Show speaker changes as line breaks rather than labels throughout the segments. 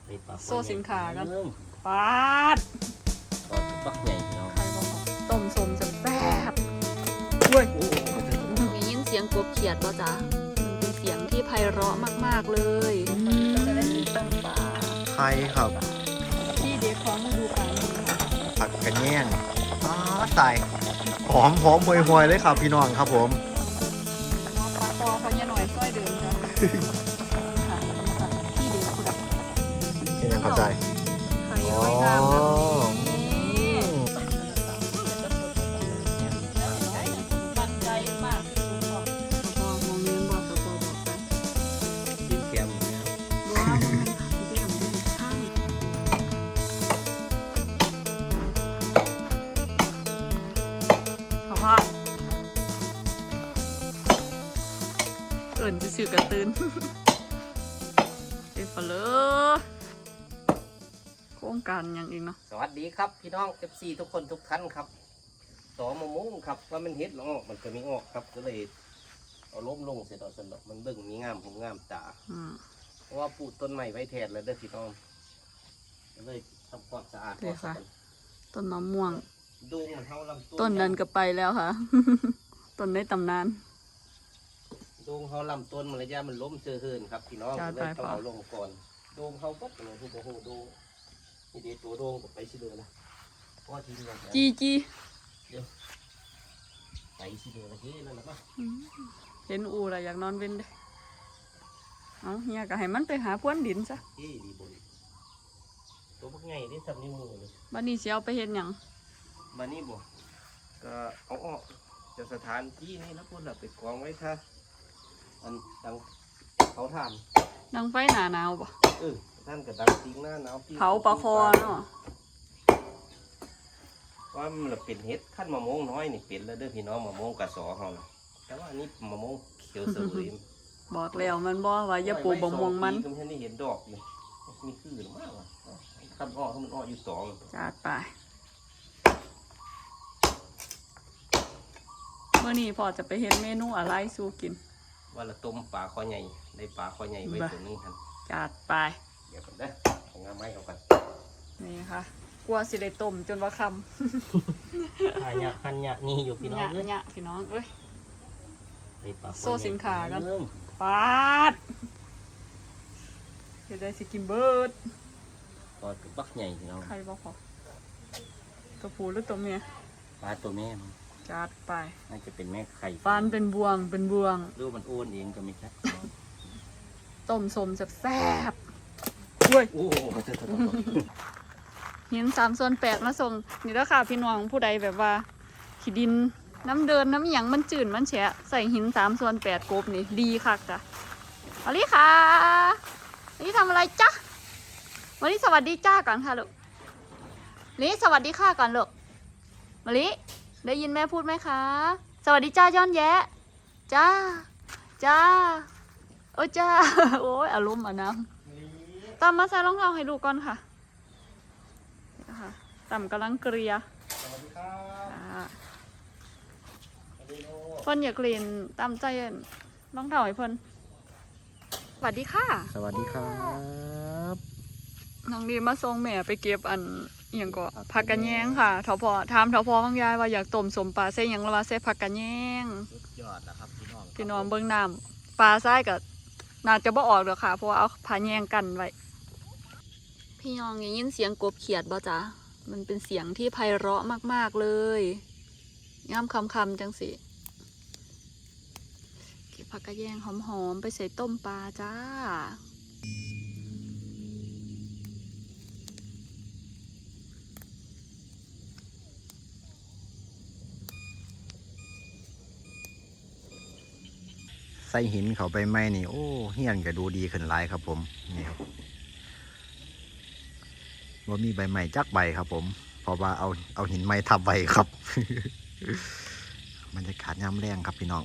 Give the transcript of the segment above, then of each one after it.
โซ่สินค้ากันปาด
ปักใหญ่เนาะ
ต้มสมจะแซ่บเว้ย
ได้ยินเสียงกบเขียดป่ะจ๊ะมันเป็นเสียงที่ไพเราะมากๆเลย
ก็จะได้กินต้มปลา
ไข่ครับ
ที่เด็กของฤดูกาลนี้
ผักกระแยงใส่หอมห่วยๆเลยครับพี่น้องครับผม
น้องปลาตอเขาเนี่ยหน่อยซอยเดิมจ้ะค่ะที่เด็กคุณ
เป็นยังเข้าใจ
ไข่ไว้น้ำแบบนี้
มั่นใจมากที่สุดบอก
สปอมองเลี้ยงบอกสปอบอกไป
กินเค็ม
ว้าวมันเรื่องดีใช่
เขาว่าเอิ่นจะสื่อกระตืนเป็นปลาเลยโครงการอย่างอีกเนาะ
สวัสดีครับพี่น้อง FC ทุกคนทุกท่านครับต่อมะม่วงครับว่ามันเฮ็ดแล้วออกมันก็มีออกครับก็เลยเอาล้มลงเสร็จเอาสนดอกมันเบิ่งมีงามผมงามตาเพราะว่าปลูกต้นใหม่ไว้แทนแล้วเด้อพี่น้องก็เลยทำความสะอาด
เลยค่ะ ต้นมะม่วง
ดูมันเท่าลำ
ต้นนั้นก็ไปแล้วค่ะ ต้นในตำนาน
ดูเขาลำต้นมันระยะมันล้มเสื่อเหินครับพี่น้อง
จ้า
เลยต้อง
ตายป่ะ
เอาลงก่อนดูเขาปั๊บเลยที่โอ้โหดูนี่ดีตัวโดงก็ไปสิเลยนะเพราะว่าทีนี้เรา
จีจี
ไปสิเลยนะเฮ้ยนั่นแหละป่ะ
เห็นอูละอยากนอนเว้นเด้เอาเฮียก็ให้มันไปหาพรวนดินซะ
เฮ้ยดีบนตัวพวกไงได้ทำนิ้วมือเลย
บัดนี้สิเอาไปเฮ็ดหยัง
มานี่บ่ก็เอาออกจากสถานที่นี่แล้วพวกเราไปกองไว้ท่าอันดังเขาทาน
ดังไฟหนาหนาวบ่
ท่านกับดังทิ้งหน้าหนาวที่
เผาปลาคอเนาะ
ว่ามันเป็นเห็ดขั้นมะม่วงน้อยนี่เป็นแล้วเด้อพี่น้องมะม่วงกระสอเฮานะแต่ว่าอันนี้มะม่วงเขียวเสวย
บอกแล้วมันบ่ว่าอย่าปลูกบ่ม่วงมัน
ก็ไม่ได้เห็นดอกอยู่มีคือหรือมากวะขั้นอ้อให้มันอ้ออยู่สอง
จัดไปมื้อนี้พ่อจะไปเฮ็ดเมนูอะไรสู่กิน
ว่าละต้มปลาคอใหญ่ได้ปลาคอใหญ่ไว้ตัวนึงท่าน
จัดไป
เดี๋ยวก่อนเด้อเอางาไม้เอากัน
นี่ค่ะกลัวสิได้ต้มจนว่าค่ำ
หันยะนี่อยู่พี่น้องเอ้ย
เนี่ยพี่น้องเอ้ย
ได้ปลาคอใหญ่
โซ่สินค้ากัน
เริ่ม
ปาดเฮ็ดได้สิกินเบิด
ปลาตัวบักใหญ่พี่น้อง
ใครบ่พอตัวผู้หรือตัวเมีย
ปลาตัวแม่มัน
จัดไป
น่าจะเป็นแม่ไข่
ฟันเป็นบวงเป็นบวง
รูปมันอ้วนเองก็ไม่ใช่
ต้มสมแซ่บๆเว้ย
โอ้โห
หิน3/8มาส่งนี่แล้วค่ะพี่น้องผู้ใดแบบว่าขี้ดินน้ำเดินน้ำหยังมันจืดมันแฉะใส่หิน3/8กบนี่ดีคักจ้ะมาลิค่ะวันนี้ทำอะไรจ๊ะวันนี้สวัสดีจ้าก่อนค่ะลูกลิสวัสดีค่ะก่อนลูกมาลิได้ยินแม่พูดไหมคะสวัสดีจ้าย้อนแยะจ้าจ้าโอ้จ้า โอ้ยอารมณ์อ่ะนะตามมาใส่รองเท้าให้ลูกก่อนค่ะค่ะต่ำกำลังเกลีย
สวัสดีครับ
เพิ่นอยากเรียนตามใจน้องเถ่าให้เพิ่นสวัสดีค่ะ
สวัสดีครับ
น้องดีมาส่งแม่ไปเก็บอันอหย่างก็ผักกะแยงค่ะเถาพอถามเถาพอของยายว่าอยากต้มสมปลาใส่หยังละว่าใส่ผักกะแยง
สุดยอดนะครับพี่น้อง
พี่น้องเบิ่งน้ำปลาใส่ก็น่าจะบ่ออกดอกค่ะเพราะว่าเอาผ้าแยงกันไว้พี่น้องได้ยินเสียงกบเขียดบ่จ๊ะมันเป็นเสียงที่ไพเราะมากๆเลยย่ำคำๆจังสิเก็บผักกะแยงหอมๆไปใส่ต้มปลาจ้า
ใส่หินเขาไปไหมนี่โอ้เฮียนก็ดูดีขึ้นหลายครับผมนี่ครับว่ามีใบไม้จักใบครับผมเพราะว่าเอาหินไม้ทับใบครับ บรรยากาศย่ำแรงครับพี่น้อง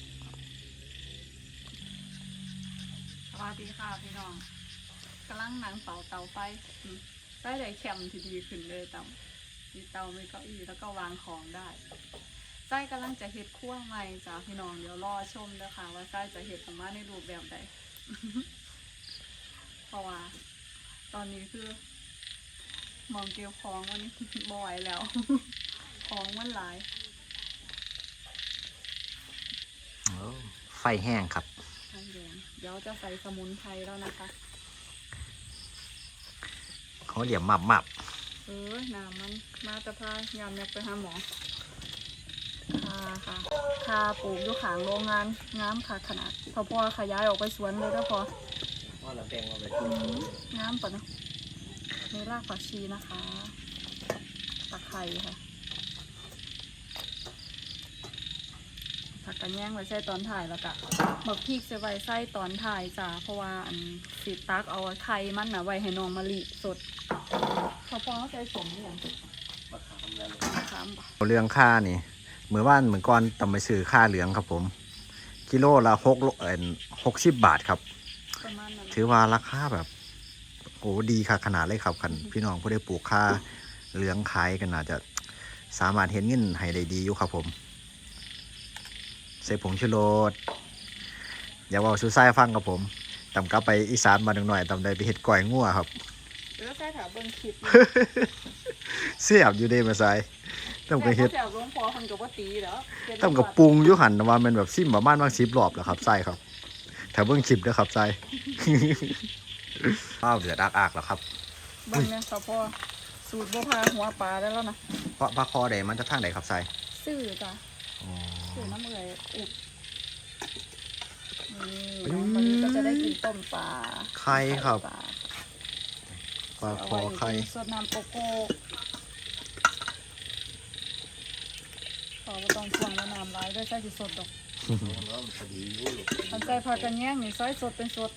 สวัสดีค่ะพี่น้องกำลังนั่งเป่าเตาไฟได้ได้แคมที่ดีขึ้นเลยเตามีเตามีเก้าอี้แล้วก็วางของได้ไส้กำลังจะเฮ็ดคั่วใหม่จ้าพี่น้องเดี๋ยวรอชมเด้อค่ะว่าไส้จะเฮ็ดออกมาในรูปแบบใด เพราะว่าตอนนี้คือมองเกี่ยวของมันบ่อยแล้ว ของมันหลาย
ไฟแห้งครับ
ทางแดงเดี๋ยวจะใส่สมุนไพรแล้วนะคะ
เขาเหลี่ยมมับ
น้ำมันมาจะพายามอยากไปหาหมอค่ะคาปลูกอยู่ขางโรงงานน้ำค่ะขนาดพอขยายออกไปสวนเลยแล้วพอ
ว่าเราแบ่งเอาไป
น้ำป่ะเนาะมีรากผักชีนะคะตะไคร้ค่ะผักกระแยงไว้ใส่ตอนถ่ายแล้วก็บักพริกจะไว้ใส่ตอนถ่ายจ้าเพราะว่าอันสีตักเอาไข่มันนะไว้ให้น้องมะลิสดพอใส่สมเนี่ย
มะขามแล้ว
ถามบ่
เรื่องค่านี่เหมือนว่านเหมือนก่อนต้องไปซื้อค่าเหลืองครับผม กิโลละ60 บาทครับ
ประมาณนั้น
ถือว่าราคาแบบโอ้ดีค่ะขนาดเลยครับคันพี่น้องผู้ได้ปลูกค่าเหลืองขายกันน่าจะสามารถเห็นเงินให้ได้ดีอยู่ครับผมใส่ผงชูรสอย่าว่าซูซ่ายฟังครับผมตำกลับไปอีสานมาหน่อยตำได้ไปเห็ดก่อยงัวครับ
แล้วใส่ถาเบิ้งคลิป
เสียบอยู่เด้มาใส่ต้องไปเฮ็ด
แถวหลวงพ่อคนกับว่าตีแล้ว
ต้องกับปรุงอยู่หันว่ามันแบบซิมประมาณว่า10 รอบแหละครับใส่ครับแถวเบิ่งคลิปเด้อครับใส่ ข้าวเดือดอักๆแล้วครับ
เบิ้งเนี่ยสพ่อสูตรบัวพาหัวปลาได้แล้วนะ
เพราะปลาคอใดมันจะทางใดครับใส่
ซื่อจ้ะ
อ๋อ
ซื่อน้ำเลยอุบนี่น้องมะลิก็จะได้กินต้มปลา
ไข่ครับ
ปลา
ปลาคอไข่
สดน้ำโกโก้ขอว่าต้องช่วงแล้วน้ำร้ายด้วยใส่สิสดดอก
แล้วพอดีอยู่
มันใส่ผักกระแยงนี่ซอยสดเป็นสด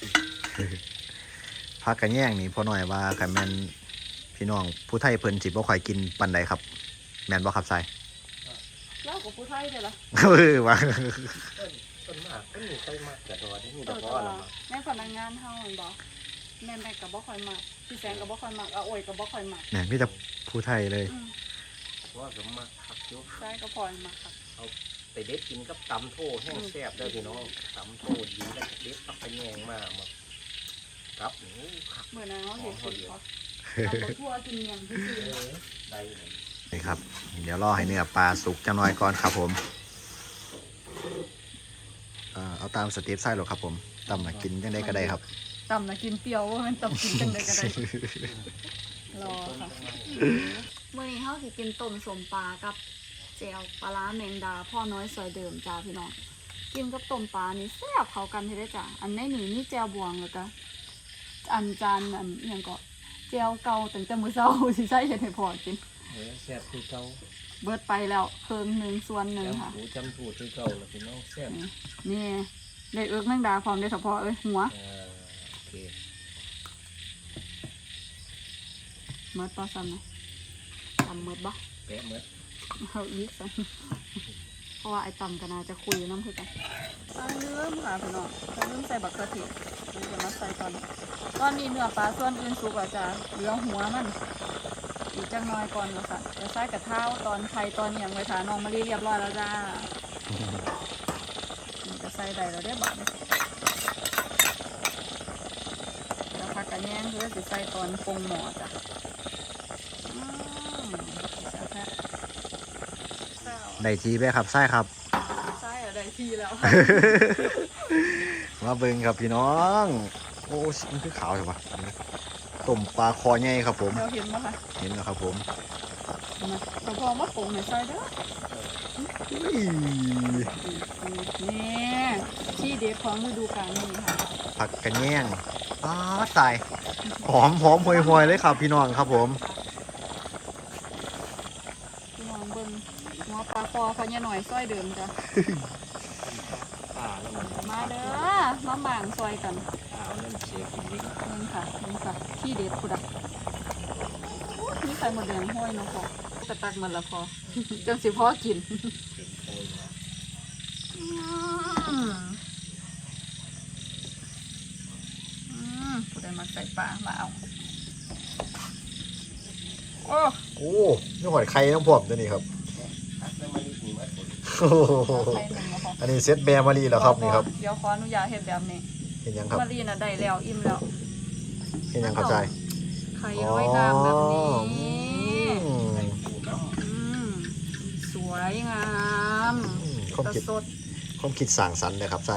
ผักกระแยงนี่พอหน่อยว่าคันแม่นพี่น้องผู้ไทยเพิ่นสิบ่ค่อยกินปานใดครับ แม่นบ่ครับใส่
แล้วกับผู้ไทยเดี๋ยวละ
ว่า
ต้นมากต้นนี้ต้นมากแต่ตัวนี้มี
เอ
แต่
อ
พ่อ
แต่
เรา
ว่าแม่พนักงานเฮาเห็นบ่แม่กับบ่ค่อยมักพี่แสงกับบ่ค่อยมักอาโอยกับบ่ค่อยมัก
เนี่ยมีแต่ผู้ไทยเลย
ว่าสมมากคักยุก
ใช่ก็พลอยมักครับ
ไปเด็ดกินกับตำโถแห้งแซ่บได้พี่น้องตำโถดีแล้วเด็ดปักไปแยงมาครับหนูคัก
เมื่อนั้นเขาเห็นสิเขาเอาทั่วกินเมียงที่ซื้อ
ได้เลย
นี่ครับ เดี๋ยวรอให้เนื้อปลาสุกจังหน่อยก่อนครับผมเอาตามสเต็ปไส้หรอกครับผมตำมากินยังได้ก็ได้ครับ
ตำนะกินเปรี้ยวว่ามันตำกินจังไดก็ได้รอค่ะเมื่อนี้เขาสิกินต้มสมปลากับแจ่วปลาร้าแมงดาพ่อน้อยซอยเดิมจ้าพี่น้องกินกับต้มปลานี่แซ่บเข้ากันเท่ได้จ้าอันในนี่มีแจ่วบวงแล้วก็อันจานอันอหยังก็แจ่วเก่าตั้งแต่มื้อเช้าสิใช้เฮ็ดให้พ่อกิน
แซ่บคือเก่า
เบิดไปแล้วครึ่งหนึ่งส่วนหนึ่งค่ะ
จำหูจำถูดคือเก่าแล้วพี่น้องแซ่บ
นี่ได้เอิกแมงดาพร้อมได้เฉพาะเอ้ยหัว
โอเค
เมิดปลาซ้ำนะตำเมิดบ่
แปะเมื่อ
เอาอีกซ้ำเพราะว่าไอ้ตำกันนาจะคุยน้ำคือกันลืมค่ะพี่น้องลืมใส่บักเขือเทศเดี๋ยวมาใส่ตอนนี้เนื้อปลาส่วนอื่นสุกแล้วจ้ะเหลือหัวมันอีกจังน้อยก่อนแล้วค่ะจะใส่กระเท้าตอนไข่ตอนอย่างไว้ถาน้องมะลิเรียบร้อยแล้วจ้านี่จะใส่ได้แล้วเรียบร้อยแล้วผักกระแยงคือจะใส่ตอนปรุงหม้อจ้ะ
ได้ทีไปครับไส้ครับ
ใช่อะได้ทีแล้ว
มาเบิ่งครับพี่น้องโอ้มันคือขาวใช่ปะต้มปลาคอใหญ่ครับผม
เราเห็นไหมคะ
เห็นแล้วครับผม
มาเราพอมาปรุงในซอยเด้อ
อุ้ย
นี่ที่เด็ดของฤดูกาลนี่ค่ะ
ผักกระแยงตายหอมห่วยๆเลยครับพี่น้องครับผม
พี่น้องเบิ่งหัวปลาคอเขาเนี่ยหน่อยซอยเดิมจ้ะ
ป่าแล้วมัน
มาเด้อมาหม่างซอยกัน
ป่าแล้วมันเชฟกินนิด
นี่ค่ะที่เด็ดพุดอ่ะนี่ใส่หมดแดงห้อยเนาะพอกระตักมันละพอ จังสิพอกินผู้ใดมาใส่ปลามาเอาโอ้
โอ้นี่หอยไข่น้ำพวกตัวนี้ครับ
แล้วมันมีมาผล
โอ้โห
ใส่หนึ่งมาพอ
อันนี้เซตแบร์มารีแล้วครับนี่ครับ
เดี๋ยวขออนุญาตเฮ็ดแบบนี้
เห็นยังครับ
มารีน่ะได้แล้วอิ่มแล้ว
เห็นยังเข้าใจ
ไข่ร้อยงามแบบนี้
อืม
ปูน้
สวยงาม
ความ
แต่
คิด
สด
ความคิดสร้างสรรค์เลยครับใจ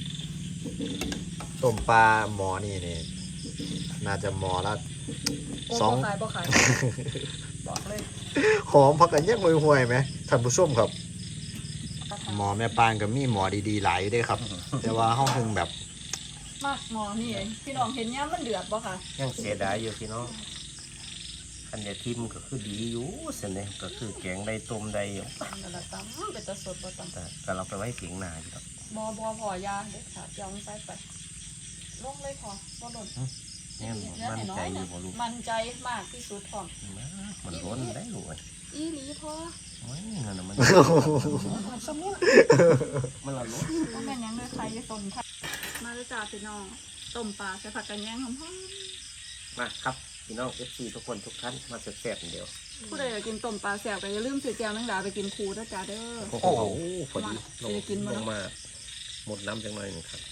ต้มปลาหมอนี่น่าจะหมอละ
โอ้
สอง
บ่ขายบ่ขายบอกเลย
หอมพักกันแยกห่วยๆไหมท่านผู้ชมครับ หมอแม่ปานกับมีหมอดีๆหลายอยู่เด้วยครับ แต่ว่าห้องถึงแบบ
มากหมอนี่พี่น้องเห็นย่ามันเดือดบ่ค่ะ
ำยังเสียดายอยู่พี่น้องอันเดียทิมก็คือดีอยู่เสยเนี่ยก็คือแกงได้ต้มได้อยู่
นั่นละตั้มเป็นตะสดบ่ตั้ม
แต่ก็เราไปไว้เพียงหนาอยู่ครับ
บ่พอยาเด็ดขาดยองใส่ไปลงเลยพอบ่หล่น
เนี่ยมั่นใจอยู่บ่ลูก
มั่นใจมากที่สุดพร้อม
มันล้นได้ลูกเอ้ย
อีหลีพอ
โอ้ยเงินน่ะมันสมุนมันละล้น
บ่แม่นหยังเลยใครจะสนค่ะมาเลยจ้าพี่น้องต้มปลาใส่ผักกระแยงหอม
มาครับพี่น้อง FC ทุกคนทุกท่านมาแซ่บๆเดียว
ๆผู้ใดอยากกินต้มปลาแซ่บก็อย่าลืมซื้อแก้วนังดาไปกินคูด้วยจ้าเด้อ
โอ้โหพอดีลง
จะกินบ่
ล
เนาะ
งมาหมดน้ำจังหน่อยหนึงครับ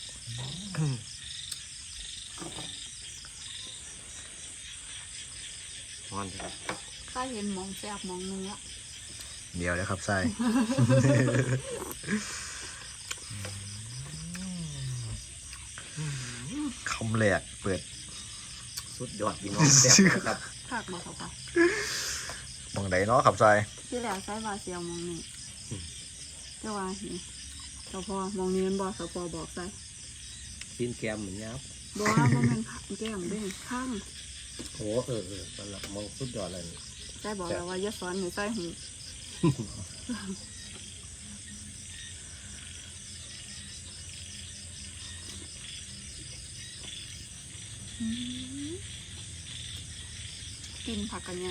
นอนครับ
ข้าเห็นหมองแซ่บหมองเนื้อ
เดียวเลยครับไส้ คำแรกเปิด
สุดยอดพี่น้องแซ่บนะครับ
คักบ่ครับค่ะ
มองใดเนาะครับไส้
ที่แล้วใช้วาเซียวหมองนี้แต่ว่านี่สพมองนี้มันบ่สพบอกใส่
ซีนแกมเหมือนยับ
บ่ว่าบ่แม่นแก้มเด้ข้าง
โอ้สำหรับมองสุดยอดเลยนี่
ใส่บอกแล้วว่าอย่าสอนให้ใส่หูกินผักกันยัง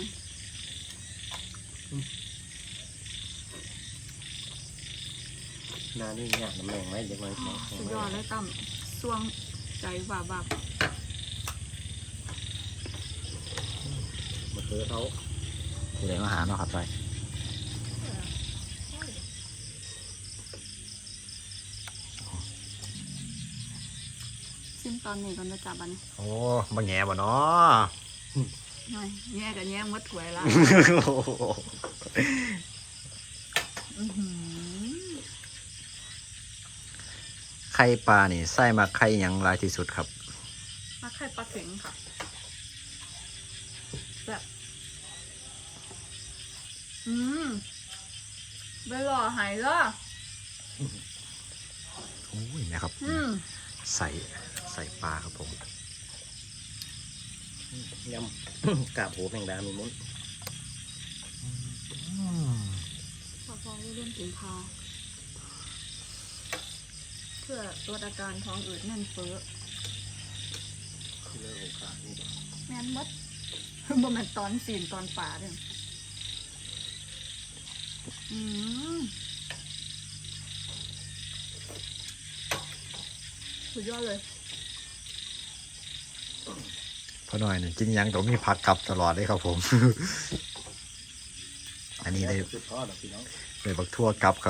นานี่ยากน้ำแรงไหมเดี๋ยวมัน
สุดยอดเลยตั้มสวงใจว่าบับ
มาเจอเขา
ผู้ใดมาหาเนาะครับไส้
ซิมตอนนี้ก่อนจะจับอันนี้
โอ้มาแง่บ่เนาะ
หน่อยแย่กับแย่มดถวยละอื้อหือ
ไข่ปลานี่ไส้มาไข่หยังหลายที่สุดครับ
มาไข่ปลาเข็งค่ะแบบไปหล่อหายละ
โอ้ยนะครับ ใส่ปลาครับผม
ยำ กาบโหแมงดามีมุ้น
พอเรื่องถึงพาเพื่อลดอาการท้องอืดแน่นเฟ้อ
คือเรื่องของขานี่
แม่นมด บ่แม่นตอนสีนตอนป่าเด้อสุดยอดเลย
พอหน่อยนี่กินหยังต้องมีผักกลับตลอดเลยครับผม อันนี้เลย
สุดทอดพี่น้อง
เลยบักทั่วกลับครับ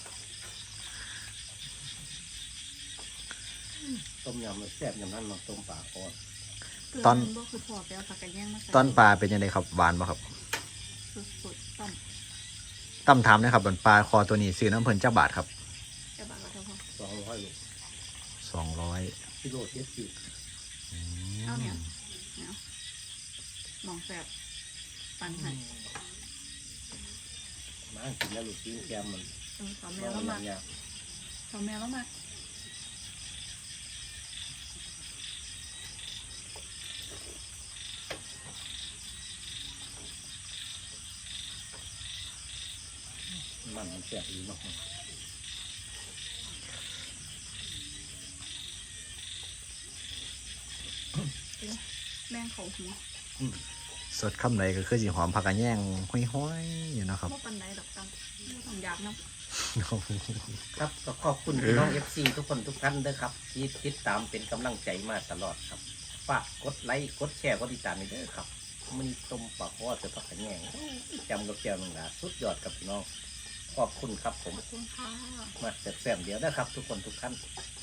ต้มยำมันแซ่บอย่างนั้นเนาะต้มปลาคอด
ตอน
บ่คือพอไปเอาผักกระแยงมาใส่
ตอนปลาเป็นยังไงครับหวานป่ะครับ
สุดๆต้ม
ตั้มถามนะครับบนปลาคอตัวนี้ซื้อน้ำเพลินเจ้าบาทครับ
จะบาดก็เท่าพอ
200ลูก
200
กิโลเจ็ดสิบ
เอาเนี่ยมองแสบปันให้
มากินแล้วลูกซีนแกมมัน
สาวแม่แล้วมา
เนี่ย
สาวแม่แล้วมา
มันแซ่บดีมาก
แม่งเขาหัว
สดคำไหนก็คือสีหอมผักกระแยงห้อยๆอยู่นะครับ
บ่ปันไหนดอกตังไม่ต้องอยากนะ
ครับก็ขอบคุณพี่น้อง FC ทุกคนทุกท่านด้วยครับ ที่ติดตามเป็นกำลังใจมาตลอดครับฝากกดไลค์กดแชร์กดติดตามให้ด้วยครับมันต้มปลาคอดจะผักกระแยงจำกับแก้วหนึ่งนะสุดยอดครับพี่น้องขอบคุณครับผม
ขอบคุณค่ะ
มาแซ่บๆเดี๋ยวนะครับ ทุกคนทุกท่าน
ค